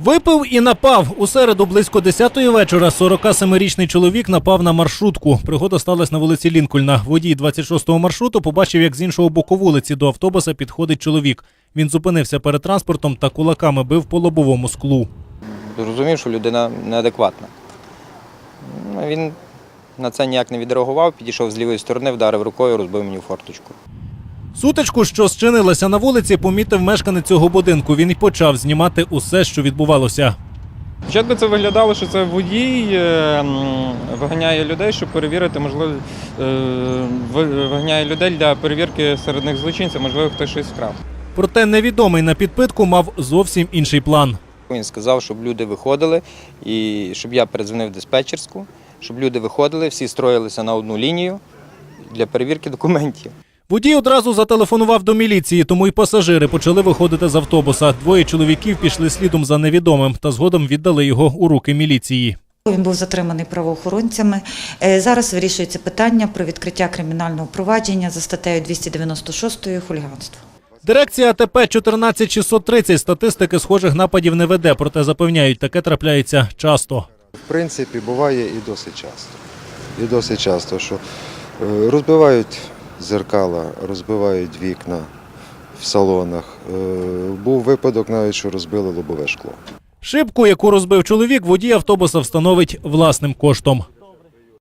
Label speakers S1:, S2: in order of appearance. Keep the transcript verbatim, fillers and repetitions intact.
S1: Випив і напав. У середу близько десятої вечора сорокасемирічний чоловік напав на маршрутку. Пригода сталася на вулиці Лінкольна. Водій двадцять шостого маршруту побачив, як з іншого боку вулиці до автобуса підходить чоловік. Він зупинився перед транспортом та кулаками бив по лобовому склу.
S2: Розумів, що людина неадекватна. Він на це ніяк не відреагував, підійшов з лівої сторони, вдарив рукою, розбив мені форточку.
S1: Сутичку, що зчинилася на вулиці, помітив мешканець цього будинку. Він і почав знімати усе, що відбувалося.
S3: Спочатку це виглядало, що це водій виганяє людей, щоб перевірити, можливо, виганяє людей для перевірки серед них злочинців, можливо, хтось щось вкрав.
S1: Проте невідомий на підпитку мав зовсім інший план.
S2: Він сказав, щоб люди виходили, і щоб я передзвонив в диспетчерську, щоб люди виходили, всі строїлися на одну лінію для перевірки документів.
S1: Водій одразу зателефонував до міліції, тому й пасажири почали виходити з автобуса. Двоє чоловіків пішли слідом за невідомим та згодом віддали його у руки міліції.
S4: Він був затриманий правоохоронцями. Зараз вирішується питання про відкриття кримінального провадження за статтею двісті дев'яносто шість «Хуліганство».
S1: Дирекція А Т П чотирнадцять шістсот тридцять статистики схожих нападів не веде, проте запевняють, таке трапляється часто.
S5: В принципі, буває і досить часто. І досить часто, що розбивають дзеркала, розбивають вікна в салонах. Був випадок навіть, що розбили лобове шкло.
S1: Шибку, яку розбив чоловік, водій автобуса встановить власним коштом.